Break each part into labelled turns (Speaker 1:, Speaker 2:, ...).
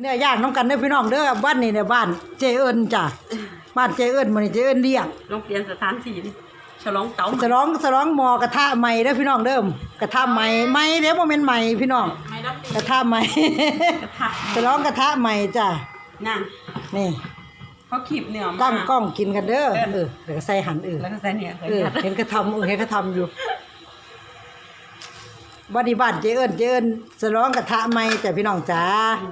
Speaker 1: เนี่ยย่างน้ำกันเด้อพี่น้องเด้อบ้านนี่เนี่ยบ้านเจเอิญจ้ะบ้านเจเอิญมื้อนี้เจเอิญเลี้ยง
Speaker 2: ลองเปลี่ยนสถานที่ดิฉลองเต๋า
Speaker 1: ฉลองหม้อกระทะใหม่เด้อพี่น้องเด้อกระทะใหม่เด้อบ่แม่นใหม่พี่น้องกระทะใหม่ ฉลองกระทะใหม่จ้ะ
Speaker 2: นั่น
Speaker 1: นี่
Speaker 2: เขาขีบเนื้อมา
Speaker 1: ตั้งกล้องกินกันเด้อเดี๋ยวก็ใส่หัน
Speaker 2: แล้วก็ใส่เนี่ย
Speaker 1: เห็นเขาทำเห็นเขาทำอยู่บ้านเจเอิญฉลองกระทะใหม่จ้ะพี่น้องจ๋า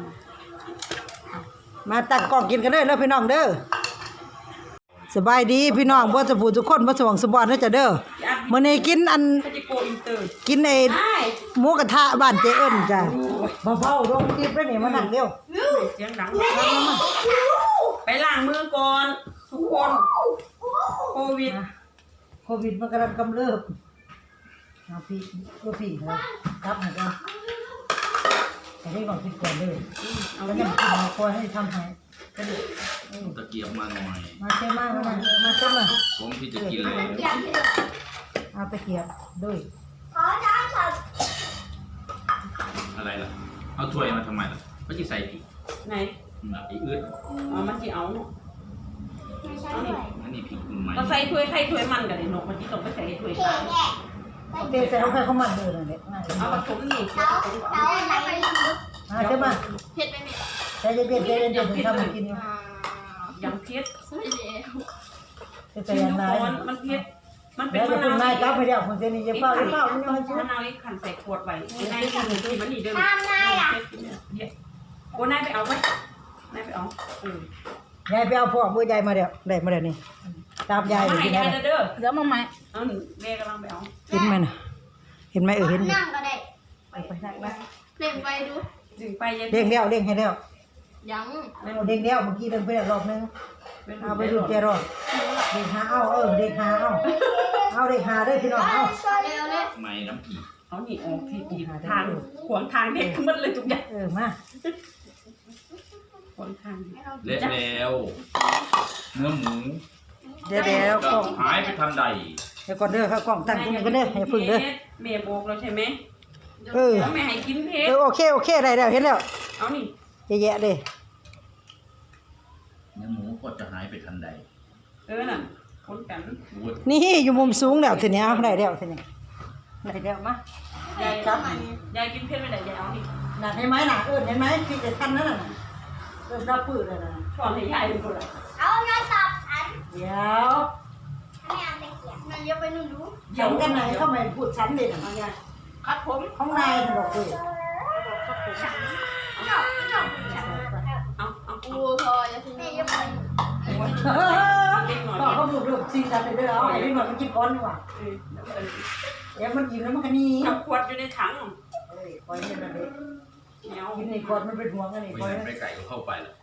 Speaker 1: มาตั้งกล้องกินกันเด้อแล้วพี่น้องเด้อสบายดีพี่น้องบ่จะพูดทุกคนบ่สว่างสบอนเด้อจ้ะเด้อมื้อนี้กินอันกินไอ้หมูกระทะบ้านเจเอิญจ้ะเบาๆลงคลิปแล้วนี่มานั่งเร็ว
Speaker 2: เสียงดังไปล้างมือก่อนทุกคนโควิด
Speaker 1: มันกำลังกำเริบเอาพี่ครับให้กันแต่นี่ก่อนคิดก่อนเลยแล้วยังกินมาคอยให้ทำให้
Speaker 3: ตะเกียบมาหน่อย
Speaker 1: มาเชื่อมากมาเชื่อมา
Speaker 3: ผมที่จะกินเลย
Speaker 1: เอาตะเกียบด้วย
Speaker 3: อะไรล่ะเอาถ้วยมาทำไมล่ะไม่ใช่ใส่ผิด
Speaker 2: ไหน
Speaker 3: ไอ้อืด
Speaker 2: มันจะเอา
Speaker 3: อันนี้ผิดคุณไหม
Speaker 2: ก็ใส่ถ้วยใครถ้วยมันกันเลยนกมันที่ต้องไปใส่ถ้วยกลาง
Speaker 1: เดี๋ยวใส่ลงไปเขามันเลยนั่นแหละ
Speaker 2: เอาผสมนี่
Speaker 1: เชื่อมา
Speaker 4: เผ็ดไหมแม่
Speaker 1: ใจเย็นทำให้กินอยู่
Speaker 2: ยังเผ็ด
Speaker 1: ใจเย็นนาย
Speaker 2: มันเผ็ดมันเป็น
Speaker 1: มะนาวนายกับไปเดี๋ยวคนเจนี่จะเฝ้ามันยังให้ชิม
Speaker 2: มะนาวนี่ขันใส่ขวดไว้นายขันที่มันนี่เดิมโอ้นายไปเอาไหมนายไปเอา
Speaker 1: ยายไปเอาพ่อมือยายมาเดี๋ยวได้มาเดี๋ยวนี้ตามยาย
Speaker 2: กินได้เด้อ
Speaker 4: เดี๋ยวมาใหม่
Speaker 2: แม่กำลังไปเอา
Speaker 1: เห็นไหมนะเห็นไหมเห็น
Speaker 4: นั่งก็ได้
Speaker 1: ไปนั่งไป
Speaker 4: เล่งไปดู
Speaker 2: ดึงไป
Speaker 1: เด้งแล้วเด้งให้แล้ว
Speaker 4: ยัง
Speaker 1: เด้งแล้วเมื่อกี้เดินไปแล้วรอบนึงเอาไปดูเจรอดเด้งหาเด้งหาเด้งหาได้พี่น้องเอา
Speaker 3: ไม่น้ำผี
Speaker 2: เอาหนีออกที่ทางขวางทางเด็กขึ้นมาเลยทุกอย่าง
Speaker 1: มา
Speaker 2: ขวางทาง
Speaker 3: เละแล้วเนื้อหมู
Speaker 1: เดี๋ยว
Speaker 3: ก็หายไปทันใด
Speaker 1: เดี๋ยวก่อนเด้อข้าวกล่องตั้งตรงนี้ก็เด้อให้พึ่งเด้อ
Speaker 2: เมียโบกเราใช่ไหมแม่ให้กินเพชร
Speaker 1: โอเคได้แล้วเห็นแล้ว
Speaker 2: เอานี่
Speaker 1: แย่ๆเลย
Speaker 3: เนื้อหมูก็จะหายไปทันใด
Speaker 2: น่ะคนกัน
Speaker 1: นี่อยู่มุมสูงแล้วทีนี้ได้แล้วทีนี้ได้แล้วมาย
Speaker 2: ายกินเพชรไม่ได้ยายเอานี่
Speaker 1: หนักเห็นไหมหนักเห็นไหมพี่จะทันนั่นน่ะรับปื้ดเลยนะ
Speaker 2: ชอบให้ยายเป็นคนละ
Speaker 4: เอาเงินสับอัน
Speaker 1: เดี๋ยว
Speaker 4: ไม่เอาไปเกี่ยวมันเยอะไปนู่นดู
Speaker 1: เดี๋ยวกันไหนเข้ามาพูดชั้นเด่นอะไรเงี้ย
Speaker 2: คัดผม
Speaker 1: ห้องในบอกเลย
Speaker 4: เอาพออย่าทิ้งเยอะไป
Speaker 1: บอกเขาดูซีซันเลยด้วยเอาไอ้นี่มันกินก้อนดีกว่าเดี๋ยวมันกินแล้วมันก็นี่
Speaker 2: ขวดอยู่ในถัง
Speaker 1: คอยนี่นะเด็กกินในก้อนมันเป็นห่วงกันนี่คอย
Speaker 3: ไปไก่ก็เข้าไปแล้ว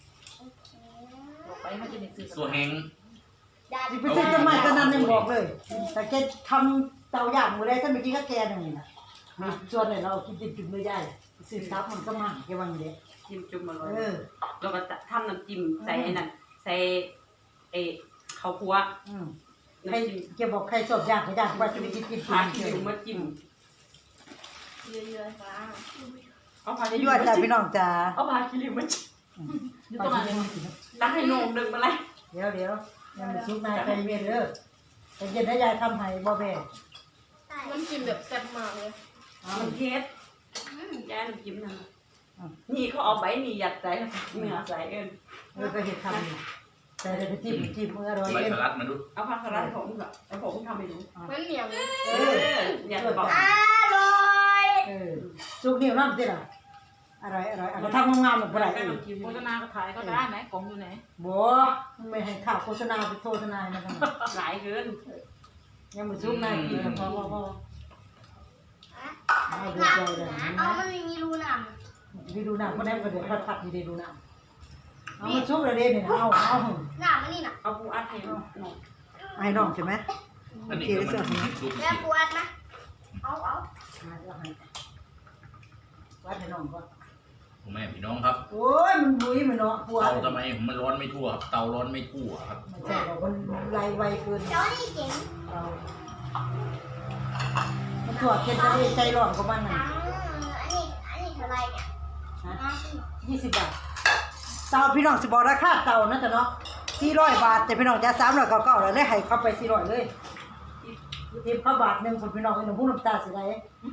Speaker 2: ไปมันจะมีสื่อ
Speaker 3: ตัวแห้ง
Speaker 1: ไปซื้อต้นไม้ต้นนั้นยังบอกเลยแต่แกทำเตาย่างมือได้ถ้าเมื่อกี้ก็แกนั่นเองนะส่วนไหนเรากินจิ้มไม่ได้ซื้อซับมันก็มั่งแกวางเด็ก
Speaker 2: จิ้มจุ่มมาเลยแล้วก็ทำน้ำจิ้มใส่นั่นใส่ข้าวคั่ว
Speaker 1: ใครแกบอกใครชอบย่างก็ย่างว่าจะไปกิน
Speaker 2: ผักอยู่มาจิ้ม
Speaker 4: เยอะๆฟ้า
Speaker 2: เอาผัก
Speaker 1: ยั่วจ้าพี่น้องจ้า
Speaker 2: เอาผักขี้ริ้วมาจิ้มอยู่ตรงนั้นตั้งให้นงดึงมาเลย
Speaker 1: เดี๋ยวยังไม่ซุกนายใจเย็นเลยใจเย็นให้ยายทำให้บ่แบ่
Speaker 4: มันกินแบบแซ่บมากเลย
Speaker 2: มันเผ็ดยายน้ำจิ้มนั่นนี่เขาเอาใบนี่ยัดใส่เนื้อใส่
Speaker 1: ก็เห็ดทำแต่เดี๋ยวจิ้มมืออร่อย
Speaker 3: ใบสลัดมาดู
Speaker 2: เอาผักสลัดผมกับผมทำให้ดู
Speaker 4: มันเหนียว
Speaker 2: อยากบอก
Speaker 4: อร่อย
Speaker 1: ซุกเหนียวน้ำสิล่ะอร่อยเอาทำงามๆแบบไร
Speaker 2: โฆษณาก็ถ่ายก็ได้ไหนกล่องอยู่ไหน
Speaker 1: บัวไม่ให้ข่าวโฆษณาไปโฆษณานะ
Speaker 2: หลายเกิน
Speaker 1: ยังไม่ซุกนายกินพอ
Speaker 4: ไม่ดูเลยเอามันมีรูหนาม
Speaker 1: มีรูหนามก็ได้ก็เดี๋ยวผัดอยู่ในรูหนามเอามาซุกเลยเนี่ยเอา
Speaker 4: หนามมันนี่น่ะ
Speaker 2: เอาปูอัดให้น้อง
Speaker 1: ให้น้องใช่ไหม
Speaker 3: อันนี้ก็มัน
Speaker 4: แล้วปูอัดนะเอา
Speaker 1: วัดให้น้องก่อน
Speaker 3: แม่พี่น้องครับ
Speaker 1: โอ้ยมันบุ้ยมันเนาะปวด
Speaker 3: เตาทำไมมันร้อนไม่ทั่วครับเตาร้อนไม่ทั่วครับ
Speaker 1: ไม่ใช่หรอกมันไวเกิน
Speaker 4: เจ้านี่เจ๋ง
Speaker 1: มันปวดเกินใจร้อนกว่ามันน่ะ
Speaker 4: อันนี้เท่าไรเนี่ย
Speaker 1: 20 บาทเตาพี่น้องสิบอกราคาเตานะจ๊ะเนาะ400 บาทแต่พี่น้องจะ399แล้วได้ให้เข้าไป400เลยทิปเข้าบาทนึงคนพี่น้องไอ้หนุ่มผู้น้ำตาสิได้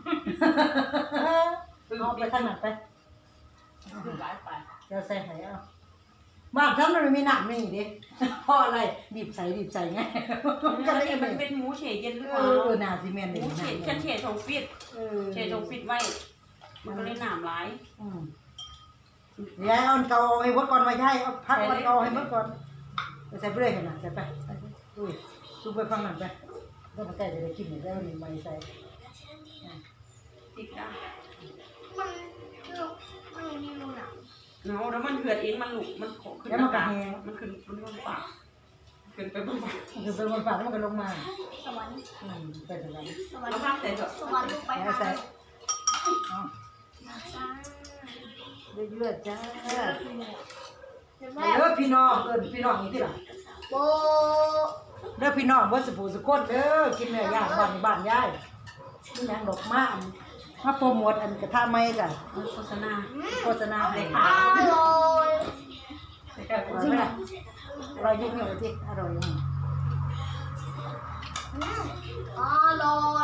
Speaker 1: เอาไปทางนั้นไป
Speaker 2: คือหลายไป
Speaker 1: เดี๋ยวใส่ให้เอาบ้านฉันมันไม่มีน้ำนี่ดิเพราะอะไรบีบใส่ไงก็เลย
Speaker 2: มันเป็นหมูเฉยเย็นหรือเป
Speaker 1: เอ
Speaker 2: ล่า
Speaker 1: อน่าสิแม่น
Speaker 2: ห
Speaker 1: เด้
Speaker 2: มูเฉยฉันเฉยทงฟิตเฉยทงฟิตไว้มันก็เลยหนามหลาย
Speaker 1: ยายเอาเกาให้เบิดก่อนมาย้ายเอาพักเอาเกาให้เบิดก่อนไปใส่เปลือยกันนะใส่ไปใส่ไปอุ้ยซุปไปฟังนั่นไปต้องมาใกล้จะได้กินเนี่ยแล้วนี่ไม่ใส่
Speaker 2: ติดได้
Speaker 4: มันคือมันมีรูหนาม
Speaker 2: เนาะแล้วมันเหือดเองมันหลุกมันขอขึ้นมันขึ้นบนปากขึ้นไปบนปาก
Speaker 1: คือเป็นบนปากแล้วมันก็ลงมา
Speaker 4: สวรรค์
Speaker 1: ไปถึงนั้น
Speaker 4: สวรร
Speaker 2: แล้ว
Speaker 4: ค์
Speaker 2: ภาพใส่เถอะ
Speaker 4: สวรรค์ลงไป
Speaker 1: แล้ว
Speaker 4: หา
Speaker 1: ใส่
Speaker 4: จ้า
Speaker 1: เลือดจ้า
Speaker 4: เดี๋ยว
Speaker 1: เ
Speaker 4: แม่
Speaker 1: ด้อพี่น้องพี่น้องนี่ที่หลัง
Speaker 4: โบ
Speaker 1: เด้อพี่น้องว่าสุภูสุคนเด้อกินเนื้อย่างบ้านยายนี่นางดอกมาโปรโมทอันกระทะไม้จ้ะ
Speaker 2: โฆษณา
Speaker 1: โฆษณาให้
Speaker 4: อร่อย
Speaker 2: ใส่กระ
Speaker 1: อร่อยไหมล่ะอร่อยยิ่งเลยที่อร่อยยิ่ง
Speaker 4: อร่อย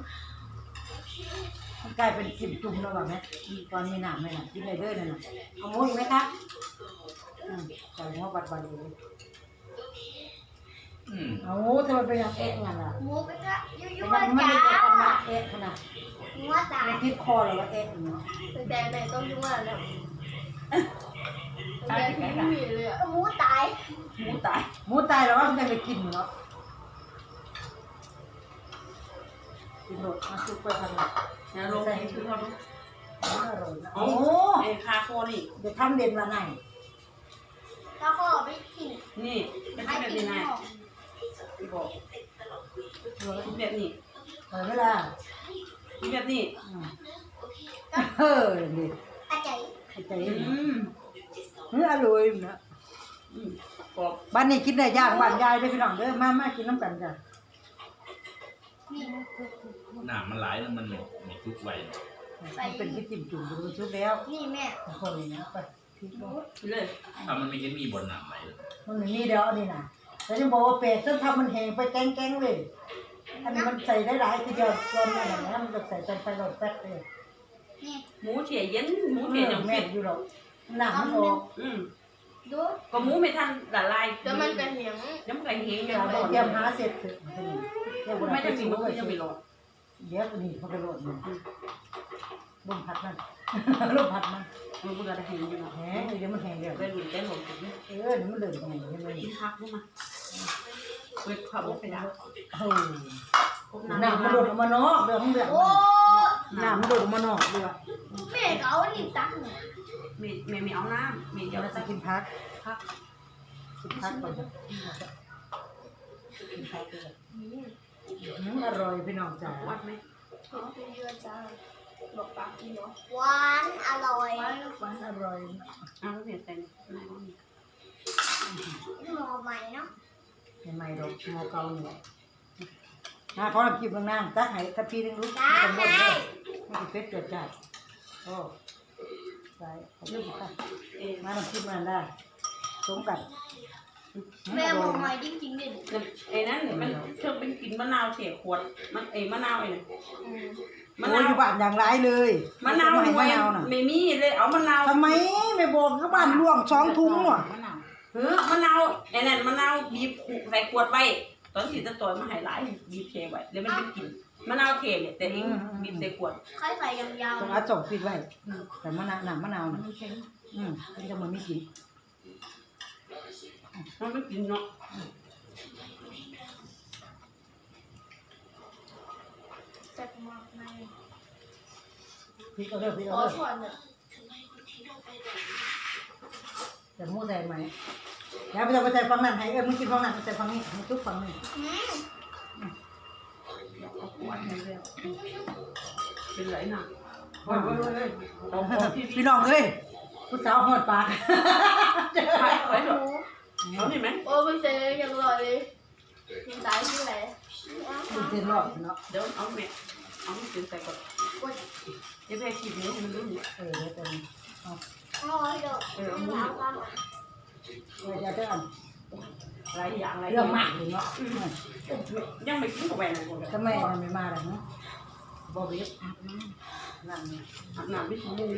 Speaker 1: มันกลายเป็นจิ้มจุ่มแล้วแบบนี้ตอนมีหนามไหมล่ะกินเลยเด้อนั่นน่ะเอาหมูอีกไหมคะใส่หัวบัดเลย เอาทำไมเป็นอย่างเอ๊ะงั้นล่ะ
Speaker 4: หมูกระทะยั่
Speaker 1: เป็น
Speaker 4: ว
Speaker 1: อย่าง
Speaker 4: ๆ
Speaker 1: มัน
Speaker 4: จ้า
Speaker 1: ไม่ได้ขนาดเอ๊ะขนาด
Speaker 4: หัวตาย
Speaker 1: ที่คอเลยว่าเอ๊ะเนาะ
Speaker 4: แต่ไหนต้องยั่วแล้วแต่ที่ไม่มีเลยหมูตาย
Speaker 2: หมูตาย
Speaker 1: หมูตายแล้วว่ามันจะไปกินเนาะกินโดดมาซุปไปทำอะไร
Speaker 2: แล้วลงให้คือเขาดู
Speaker 1: อร่อยนะ
Speaker 2: โอ้
Speaker 1: โอ้
Speaker 2: ไอ้คาโคนี่
Speaker 1: เดี๋ยวทำเด่นมาไหน
Speaker 4: แล้วก็ไม่กิน
Speaker 2: นี่เป็น
Speaker 4: ไม่
Speaker 2: แบบ
Speaker 4: กิน
Speaker 2: นี้ไง
Speaker 4: หรอก
Speaker 2: ที่บอกแบบนี้
Speaker 1: เปิดเวลา
Speaker 2: แบบนี้
Speaker 1: เฮ้ยดิ
Speaker 4: อาจารย์
Speaker 1: ใจเย็นอร่อยนะ
Speaker 2: กรอบ
Speaker 1: บ้านนี้กินได้ยากบ้านยายด้วยพี่น้องเด้อมากินน้ำกันจ้ะ
Speaker 4: นี่
Speaker 3: หนามมันหลายแล้วมันไม่ทุกไว้
Speaker 1: เป็นที่จิ้มจุ่มดูชุบแล้ว
Speaker 4: นี่แม่
Speaker 1: คนนี้นะไปพี่ก็
Speaker 2: เลย
Speaker 3: ถ้ามันไม่เห็นมีบนหนามไหลเลย
Speaker 1: มันนี่เดี๋ยวอันนี้นะแต่ยังบอกว่าเป็ดจนทำมันแห้งไปแกงเลย อันนี้มันใส่ได้หลายทีเดียวจนอะไรนะมันจะใส่จนไปหลอดแป๊ดเลย
Speaker 4: นี่
Speaker 2: หมูเฉยเย็นหมูเฉยจัง
Speaker 1: แม่
Speaker 2: ฟิต
Speaker 1: อยู่หรอกหนังมันออก
Speaker 4: ดู
Speaker 2: ก็หมูไม่ทันละลาย
Speaker 4: เดี๋ยวมันจะเหนียง
Speaker 2: น้ำไก่เฮง
Speaker 1: เต
Speaker 2: ยังไม่
Speaker 1: รียมหาเสร็จเถอะเดี๋ยว
Speaker 2: ไม่
Speaker 1: ไป
Speaker 2: ได้
Speaker 1: ชิ
Speaker 2: สิ่ง
Speaker 1: ม
Speaker 2: ก็
Speaker 1: ด้วย
Speaker 2: ยังไม่รอด
Speaker 1: เดี๋ยวนี่เขาไปโหลดมันลมพัดมันลมพัดมัน
Speaker 2: มันเบื่อได้เฮงอยู่หน่อย
Speaker 1: แห้งเดี๋ยวมันแห้งเดี๋ยว
Speaker 2: ได้หลุดได้หลง
Speaker 1: นี่มันเดินตรงไหนเห็นไหม
Speaker 2: กินพักรู้มาเวทขับรถไปแล้ว
Speaker 1: โอ้หน้ามันโดดออกมานอกเรื่องของเรื่อง
Speaker 4: โอ้
Speaker 1: หน้ามันโดดออกมานอกด้วย
Speaker 4: แม่เขาหนีตักหนู
Speaker 2: ไม่เอาน้ำไม่
Speaker 1: เดี๋
Speaker 2: เดี๋
Speaker 1: ย
Speaker 2: ยว ว
Speaker 1: จะ
Speaker 2: จะ
Speaker 1: กิ
Speaker 2: กิ
Speaker 1: น
Speaker 2: น
Speaker 1: พัก
Speaker 2: พัก
Speaker 1: กินพักก่อนกินพักด้วยอร่อยพี่น้องจ๋า
Speaker 2: วัดไหม
Speaker 4: เป็นเยอะจ้าบอกปากกินเนาะหวานอร่อย
Speaker 1: หวานอร่อย
Speaker 2: อ้าวเปลี่ยนแต่ง
Speaker 4: หม้อใหม่เนาะ
Speaker 1: ใหม่ๆดอกมอเกาเนี่ยนะเขาทำกินบางนางตักให้ถ้าพี่นึงรู้
Speaker 4: ได้
Speaker 1: กันหมด
Speaker 4: ได้
Speaker 1: เลยไม่ติดเป็ดเกิดจ้าโอ้ใส่ขอบคุณค่ะ
Speaker 2: เอ๊ะ
Speaker 1: มาทำกินมันได้สมกัน
Speaker 4: แม่หม้อใหม่จริงๆดิ
Speaker 2: ไอ้นั่นมันเชื่อเป็นกินมะนาวเฉยขวดมันมะนาวไอ้เนี่ย
Speaker 1: มะนาวอยู่บ้านอย่างไรเลย
Speaker 2: มะนาว
Speaker 1: ไม่
Speaker 2: ไว้
Speaker 1: มะนาวน่ะ
Speaker 2: ไม่มีเลยเอามะนาว
Speaker 1: ทำไมไม่บอกก็บ้านล่วง2 ถุงหน่ะ
Speaker 2: มะนาวไอ้นั่นมะนาวบีบใส่ขวดไว้ตอนสีตะตอยมาให้หลายบีบเทไว้แล้วมันเป็นกลิ่นมะนาวเทเนี่ยแต่เองบีบใส่ขวด
Speaker 4: ใครใส่ยาว
Speaker 1: ต้องเอาส่งฟิตไว้แต่มะนาวหนังมะนาวน่ะมันจะมันไม่กิน
Speaker 2: มันไม่กินเนาะ
Speaker 4: ๆแซ่บมากใน
Speaker 1: พริกเอาเด้อพริก
Speaker 4: ข
Speaker 1: เอา
Speaker 4: อ
Speaker 1: เด้อ
Speaker 4: ส่วนเนี่ย
Speaker 1: แต่หมูใส่ไหมแล้วไปจะไปใส่ฟังนั่นให้มึงกินฟังนั่นใส่ฟังนี้มึงทุกฟังนี่
Speaker 2: เอาขวดให้แล้วเป็นไรน่ะเฮ้ยเอาขวดที่
Speaker 1: พี่น้องเอ้ยผู้สาวหอดปาก
Speaker 2: ไว้ไว้
Speaker 4: ห
Speaker 2: เถอะ
Speaker 4: มู
Speaker 2: เอานี่ไหม
Speaker 4: โอ้ไม่ใช่ยังอร่อยเลยมันตายที่ไหน
Speaker 1: มึงเต้นรอบเนาะ
Speaker 2: เดี๋ยวเอาแม่เอากินใส่ก่อนเดี๋ยวแม่ขีดนี้ให้มันรู้
Speaker 1: เดี๋ยวเต้นเอา
Speaker 4: อ๋อเดี๋ยวเอาความอ่ะ
Speaker 1: จะเด้อ
Speaker 2: หลายอย่างหลาย
Speaker 1: เรื่องมากเลยเนาะ
Speaker 2: ยังไม่กินกับแหวนเลย
Speaker 1: ทำไมมันไม่มาล่ะเนาะบ่เว็บนั่นนี่
Speaker 2: อาบน้ำไม่ชั่วโมง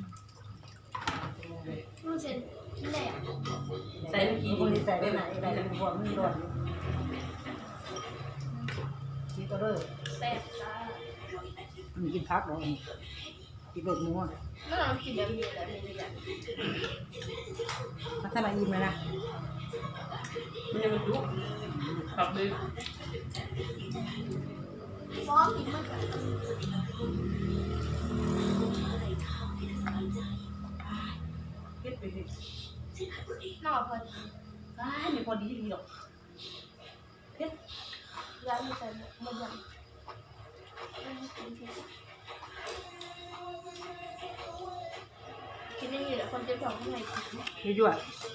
Speaker 4: มันเสร็จที่ไหนอ่ะ
Speaker 2: ใส่กี่
Speaker 1: คนที่ใส่ไปไหนได้เป็นพวกมันร้อนนี่ก็เด้อ
Speaker 4: แซ่บจ้า
Speaker 1: มันกินพักบ่กินเบิดหมู
Speaker 4: แล้วเรากินแบบนี้แหละไม่ได้
Speaker 1: พัฒนาอิ่มเลยนะ
Speaker 2: มันยังไม่รู้ขับเลย
Speaker 4: ฟ้อกินมันแบบ
Speaker 2: เก็บไปเลย
Speaker 4: น่าพอดี
Speaker 2: ไม่พอดีหรอกเก็บ
Speaker 4: ร้านมีแต่มันยังกินนี่แหละคนเจ็บท้องข้างในกิน
Speaker 1: ยั่ว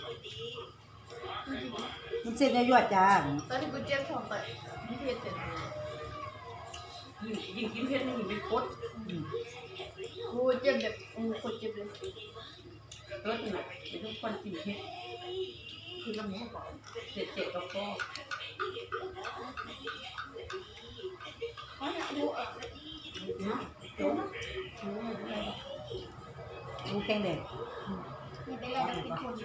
Speaker 1: มันเส้นยั่วจ้า
Speaker 4: ตอนที่กูเจ็บท้องไปไม่เผ็ดเลย
Speaker 2: ยิ่งกินเพชรยิ่งเป็นโคตร
Speaker 4: กูเจ็บแบบคนเจ็บเลย
Speaker 2: เลิศหนักเป็นทุกคนกินเพชรคือละหมูก่อนเจ็บแล้วก็
Speaker 4: เขาอยากรู้อ่ะ
Speaker 2: เนาะโจ้นะ
Speaker 1: หมูแข็งแดง
Speaker 4: นี่เป็นอะไรกับเป็นคน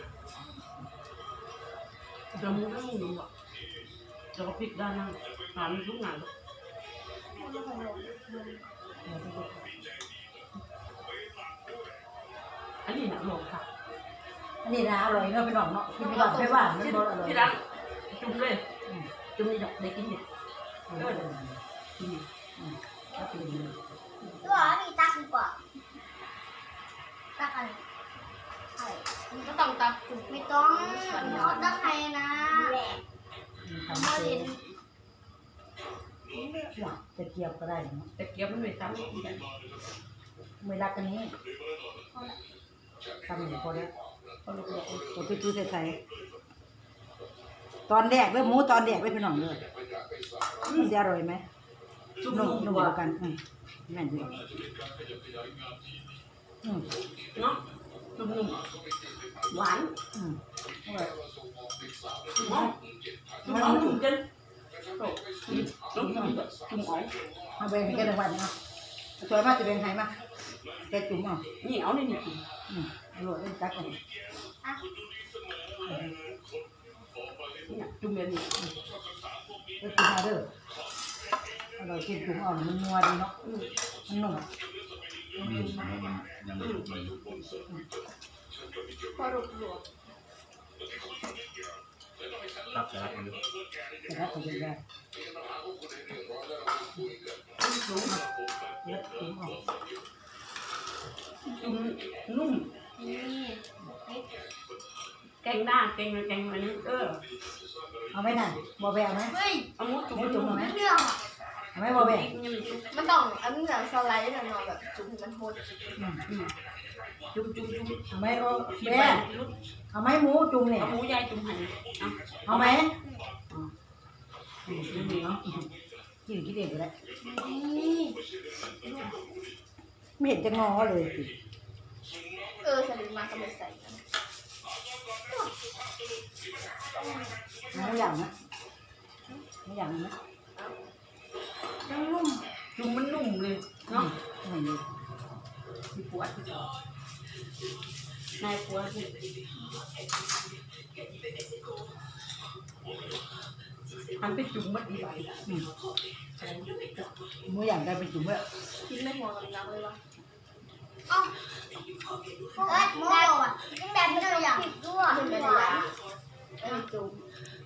Speaker 2: เดี๋ยวมูก็มูหนุ่มอ่ะเดี๋ยวพริกด้านนั้นหามีทุกงานอันนี้หนักหลงค่ะ
Speaker 1: อันนี้นะอร่อยเนาะพี่น้องเนาะกินแบบไม่หวานมันบ่อร่อย
Speaker 2: ที่ร้านจุ่มเลยจุ่มนี่ดอกได้กินเนี่ย
Speaker 4: ตัวนี่ตักดีกว่าตักอะไรไข่มันก็ต้องตักจุกไม่ต้องเขาตักไข่นะมาเรียน
Speaker 1: จะเกียบก็ได้เนาะ
Speaker 2: แต่เกี๊ยวมันไม่ซ้ำกัน
Speaker 1: ไม่รักกันนี้ทำอย่างพอแล้ว
Speaker 2: พอลูก
Speaker 1: ตัวพี่ตู้ใส่ตอนแรกเลยหมูตอนแรกเลยพี่น้องเลยจะอร่อยไหม
Speaker 2: จุ่ม
Speaker 1: นุ่ม
Speaker 2: นุ่
Speaker 1: นุ่
Speaker 2: ม
Speaker 1: ม
Speaker 2: กว่า
Speaker 1: กันแม่นดีอืม
Speaker 2: เนาะจุ่มนุ่มหวาน
Speaker 1: อืมอร่อย
Speaker 2: จุ่มอ๋อจุ่มอ๋อจุ่มจนโอ้จุ่มจุ่มจุ่มอ๋อ
Speaker 1: เอาไปให้แกรางวัลเนาะสวยมากจะเป็นไงมาแกจุ่มเอา
Speaker 2: นี่เอาในนี่กิน
Speaker 1: อร่อยเล่นจักก่อน
Speaker 2: เนี่ยจุ่มแบบนี้
Speaker 1: ก็กินมาเด้ออร่อยกินจุ่มอ่อนมันนัวดีเนาะมันนุ่ม
Speaker 3: ยังไม่ถูกเลย
Speaker 4: พอรูปหลวง
Speaker 3: รับแต่ละคนดู
Speaker 1: แต่ถ้าเขาจะได้เยอะจุ่มอ่อน
Speaker 2: จุ่มนุ่ม
Speaker 4: นี่
Speaker 2: แกงหน้าแกงอะไรแกงอะไรนี่
Speaker 1: เอาไหมน่ะบอแบเอาไหม
Speaker 4: เฮ้ย
Speaker 2: เอาหมูจุ่ม
Speaker 4: เรื่อง
Speaker 1: เอาไหมบอแบ
Speaker 4: มันต้องอันนี้แบบสไลด์หน่อยแบบจุ่มมันโหด
Speaker 2: จุ่มจุ่มจุ่ม
Speaker 1: เอาไหมโอ
Speaker 2: กิน
Speaker 1: แบ
Speaker 2: ไป
Speaker 1: เอาไหมหมูจุ่มเนี่ย
Speaker 2: เอาหมูยายจุ่มให้เอา
Speaker 1: เอาไหม
Speaker 2: นี่เนาะ
Speaker 1: กินเองก็ได้
Speaker 4: นี่
Speaker 1: ไม่เห็นจะงอเลยสิ
Speaker 4: สลิดมาก็ไม่ใส่กัน
Speaker 1: ไม่อย่างนะไม่อย่างนะ
Speaker 2: ยังนุ่มจุ่มมันนุ่มเลยเนาะ
Speaker 1: ไม่เลย
Speaker 2: มีปวดนายปวดที่ทำไปจุ่มมัดอีกใบ
Speaker 1: หมูอย่างได้เป็นจุ่มเลย
Speaker 4: กินไม่หัวกับน้ำเลยวะอ๋อโม่อะแบบนี้เลยอ่ะผิดด้วยเป็นหวานจุ่ม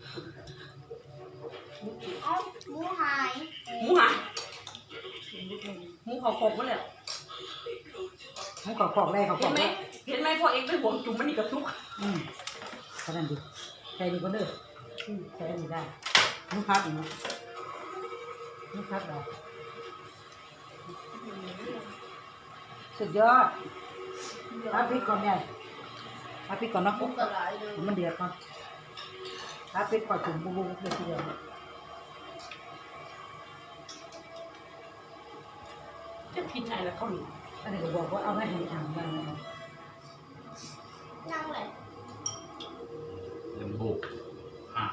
Speaker 4: อ๋อหมูหาย
Speaker 2: หมูหายหมูเขาโขกมาเลย
Speaker 1: หมูกรอบๆได้กร
Speaker 2: เห็
Speaker 1: อน บ
Speaker 2: ไหมเห็นไหมพอเองไปห่วงจุ่มมันนี่กับทุก
Speaker 1: ขนาดดีใส่ดีก็เด้อใส่ดีได้หมูพัดอีกนะหมูพัดได้สุดยอดเอาพริกก่อนใหญ่เอาพริกก่อนเนาะ
Speaker 4: มุกกระไรเลย
Speaker 1: มันเดือดก่อนเอาพริกก่อนจุ่มบุบๆเลยทีเดียว
Speaker 2: จะพินอะไรแล้วเขาหนี
Speaker 1: อันนี้ก็บอกว่าเอาให้ดีทำกัน
Speaker 4: นั่งเลย
Speaker 3: ลำโบกอ่ะ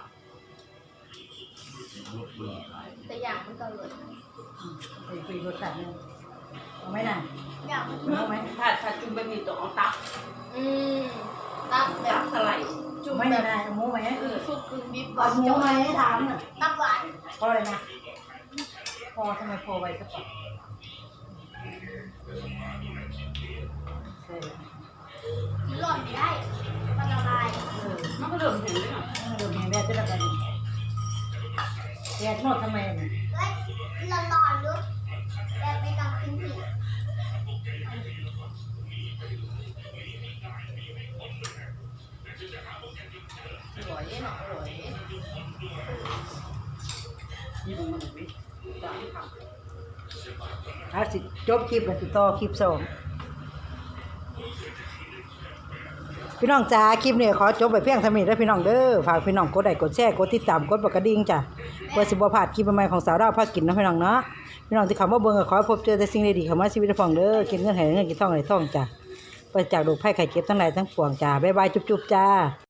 Speaker 3: ลำโบกเบื่อ
Speaker 4: แต่อย่างมันก็เลย
Speaker 1: ไปคุยรสชาตินึงเอาไหมน่ะ
Speaker 4: อย่างมัน
Speaker 1: เอาไหม
Speaker 2: ถ้าจุ่มไปมีตัวเอาตับ
Speaker 4: อืมตับแบ
Speaker 2: ตั
Speaker 4: บบ
Speaker 2: สไลด์
Speaker 4: จุ่ม
Speaker 1: ไม่
Speaker 4: แบ
Speaker 1: ได้
Speaker 4: บ
Speaker 1: เอาหมูไหม
Speaker 4: ซุปกึ่งบิ๊บ
Speaker 1: เอาหมูไหมถามน่ะ
Speaker 4: ตับหวาน
Speaker 1: พอเลยนะพอทำไมพอไว้สักก่อนใช่
Speaker 4: กินหล่นไม่ได้มันละลาย
Speaker 2: มันก็เริ่มเห็นเลยอ่ะ
Speaker 1: เดี๋ยวแม่แม่จะได้ไปแยกหมดทำไมน่ะ
Speaker 4: เฮ้ยร้อนๆดูแบบไม่ต้องกินผิด
Speaker 2: อร่อยเนาะอร่อยนี่ดูมันไม่ได้ค่ะ
Speaker 1: เอาสิจบคลิปแล้วติดต่อคลิปสองพี่น้องจ้าคลิปนี้ขอจบไปเพียงเท่านี้แล้วพี่น้องเด้อฝากพี่น้องกดไลค์กดแชร์กดติดตามกดกระดิ่งจ้ะเพื่อสิบ่พลาดคลิปใหม่ๆของสาวดาวพากินนะพี่น้องเนาะพี่น้องที่เข้ามาเบิ่งก็ขอให้พบเจอแต่สิ่งดีๆเข้ามาชีวิตของเด้อกินเงินให้เงินกินทองให้ทองจ้ะไปจากโรคภัยไข้เจ็บทั้งหลายทั้งปวงจ้าบ๊ายบายจุ๊บๆจ้า